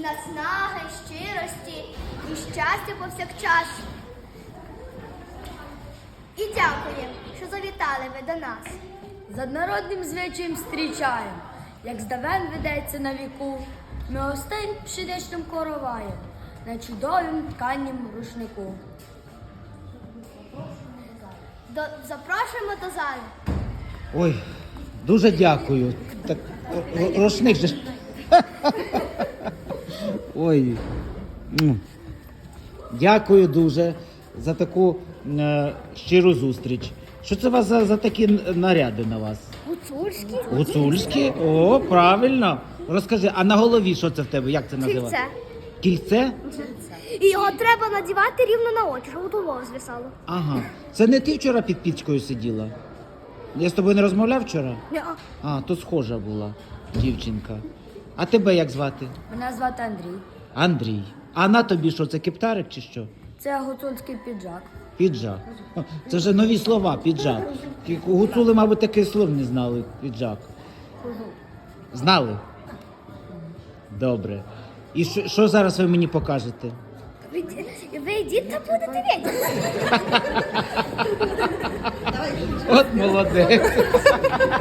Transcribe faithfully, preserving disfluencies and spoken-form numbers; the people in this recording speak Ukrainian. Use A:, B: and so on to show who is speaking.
A: наснаги, щирості і щастя повсякчас. І дякую, що завітали ви до нас.
B: За народним звичаєм зустрічаєм, як здавен ведеться на віку, ми гостей пшеничним короваєм, на чудовім тканням рушнику.
A: До, запрошуємо до зали.
C: Ой, дуже дякую. Так, р- рушник же. ж- Ой. м. Дякую дуже за таку е, щиру зустріч. Що це у вас за, за такі н- наряди на вас?
A: Гуцульські.
C: Гуцульські? О, правильно. Розкажи, а на голові що це в тебе? Як це називається?
A: Кільце.
C: Кільце?
A: І його треба надівати рівно на очі, щоб голову звисало.
C: Ага. Це не ти вчора під пічкою сиділа? Я з тобою не розмовляв вчора?
A: Ні.
C: А, то схожа була дівчинка. А тебе як звати?
B: Мене звати Андрій.
C: Андрій. А на тобі що, це кептарик чи що?
B: Це гуцульський піджак.
C: Піджак. Ха, це вже нові слова, піджак. Ті Гуцули, мабуть, таких слов не знали, піджак. Знали? Добре. І що, що зараз ви мені покажете?
A: Ви, ви йдіть та будете відео.
C: От молодець.